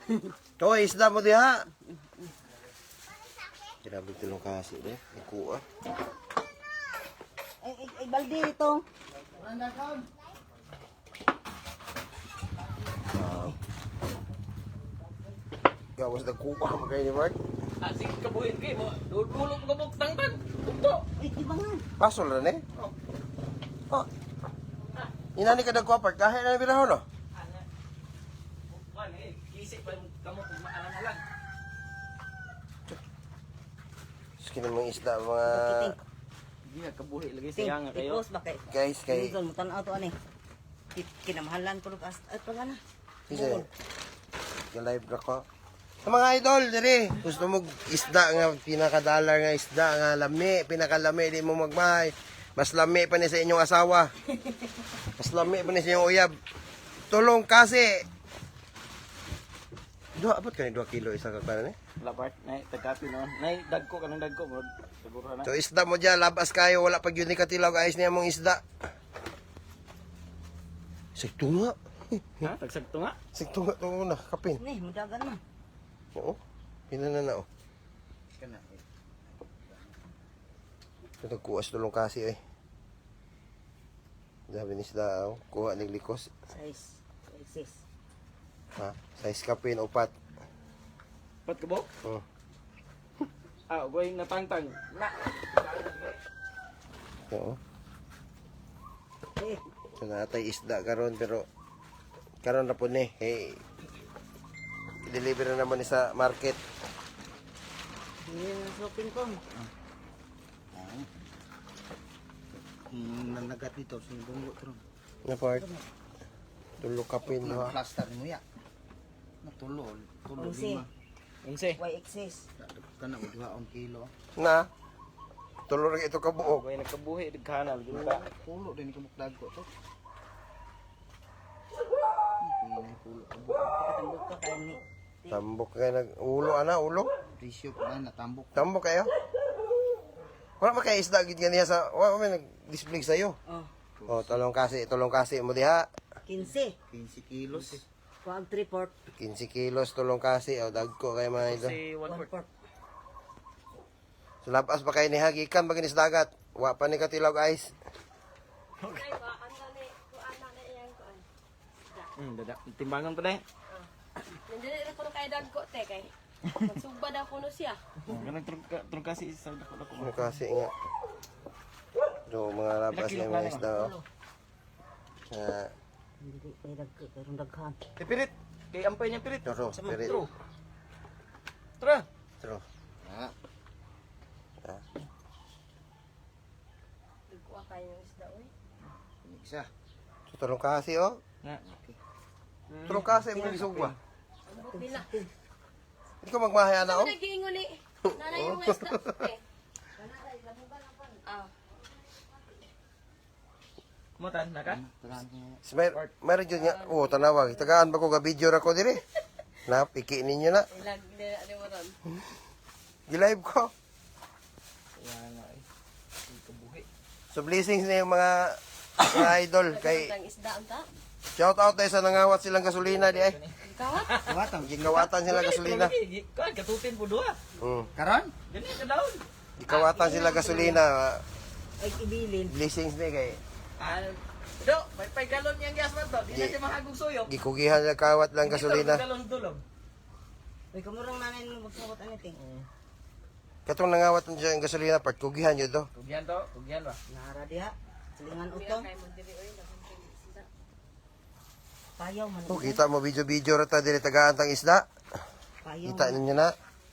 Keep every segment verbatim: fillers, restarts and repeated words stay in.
Toy, isda mo diha. Grabe tulong kasi de. Ikuha. Ay, ay, ay, balde ito. Gawas na kuha mo kayo ni Mark. Asik kabuhin kayo mo. Dulog gabok tangtan. Ito. Ay, di ba nga? Pasol na ni. Oh. Inani ka dagko apart kahit na biraho no. Man eh, kisip pa kamu kung maalam na lang. Skin mo isda mga Hindi na kabuhi lagi siya nga kayo. Tipos ba kay? guys kay Minsan mo tanaw to ani. Kinamahalan ko lugas. Ay, pa na. Isa. Ga-live ra ko. Sa mga idol diri, gusto mo isda nga pinakadalar nga isda nga lami, pinakalami di mo magmahay. Mas lami pa ni sa inyong asawa. Mas lami pa ni sa inyong uyab. Tulong kasi. Dua abot ka ni dua kilo isa ka kanan eh. Lapart, nay tagkapi no. Nay dagko kanang dagko mo. Siguro na. So isda mo dyan, labas kayo, wala pag yun ni katilaw, ayos niya mong isda. Sigtunga. Ha? Tagsagto nga. Sigtunga ito na, kapin. Ni, mudagan man. Oo, pinana na oh. Kana. Ito kuwas tulong kasi eh. Sabi ni isda, oh, kuha ng likos. Size. Size. Ha? Size kapin, upat. Pat kabok? Oh. Ah, goy na tangtang. Na. Oo. Eh, So natay isda karon pero karon na po ni. Hey. I-deliver na naman ni sa market. hindi na shopping ko. Hmm, nanagat dito sa bungo tro. Na part. Tulo kapin Nah, ha. plaster mo ya. Natulol, tulol Unsi. lima. Unse. Why excess? Kana mo duha on kilo. Na. Tulo rin ito kabuok. Goy nagkabuhi digkanal gina. Pulo din ka mukdag ko to. Hindi pulo abo. Katambok ka kayo ni. Tambok kayo nag ulo ana ulo. Presyo pa na natambok. Tambok kayo. Wala ba kayo isda gid ganiya sa wala may nag-display sa iyo. Oh, Oh, tulong kasi, tulong kasi mo diha. quince. fifteen kilos. Kuwag three port. quince kilos tulong kasi o dagko kay mga idol. Si one One fourth. port. So lapas pa kayo ni hagikan baginis dagat. Wa pa ni katilaw guys. Hmm, dada. Timbangan pa dai. Nandiyan ko kay dagko te kay. Magsugba daw kuno siya. Kanang trung kasi sa dako dako. Ano kasi nga. Do mga labas yung mga isda. Oh. Ah, Hindi kay dagko karong daghan. Eh, pirit. Kay ampay niya pirit. Turo, Sama, pirit. tro. Tra. Tro. Ah, Ah, Dagko kay yung isda oy. isa. so, tulong kasi oh. Na. Tulong kasi mo gisugwa. Bila. Hindi ko magmahay ana Ano oh. nagiingon ni? Nanay yung isda. Eh. Ah. Mutan na ka? Tagaan ko. Si Mer, meron dyan nga. Oo, tanawag. Tagaan ba ko ga video ra ko dire? Na, piki ninyo na. Ilag din ano mo ron. Gi-live ko. Kaya nga eh. Hindi kabuhi. So blessings na yung mga mga idol kay Ang isda unta. shout out tayo sa nangawat silang gasolina di ay. Kawat. Kawatan. Gingawatan sila gasolina. Kan katutin po dua. Mm. Karon? Dili ka daon. Gikawatan sila gasolina. Ay ibilin. Blessings ni kay Ah, do, may pay galon yang gas man to. Di na Gi- siya mahagog suyok. gikugihan nila kawat lang gasolina. Galon dulog. Ay kamurang nanay mo magsabot ani ting. Katong nangawat siya ang gasolina part kugihan yun do. Tugyan to, tugyan ba? Nara diha. Silingan Bila utong. kay mo diri oy daghang kay isda. Payaw man. Oh, kita mo video-video ra ta diri tagaan tang isda. Payaw. Kita ninyo na.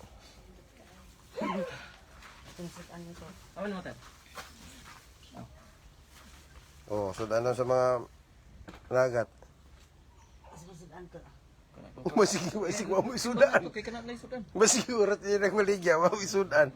Tingsit ano to. Awan mo tan. Oh, so ano sa mga nagat. Isbasudan ko. Masig masig mo isudan. Okay ka na na isudan. Masig urat yun ang maligya, mo isudan.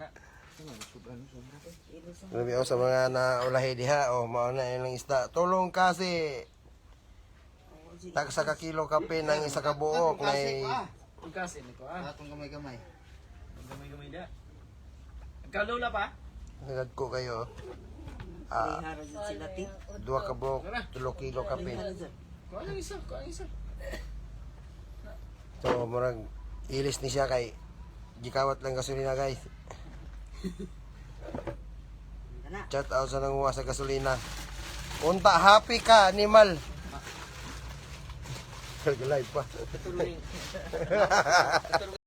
Labi ako sa mga naulahi diha, oh, mauna yun ang isda. Tulong kasi. Tak sa kakilo kape ng isa ka buok na Tugas ini ko ah. Atong gamay-gamay. Gamay-gamay da. Kalula pa? nagad ko kayo. Ah, Ihara jud sila ting. dua ka buok, tulo kilo kape. Ihara jud. Kuha lang isa, kuha lang isa. So, murag ilis ni siya kay gikawat lang gasolina guys. Kana. Chat out sa nanguha sa gasolina. Unta, happy ka, animal. Live pa.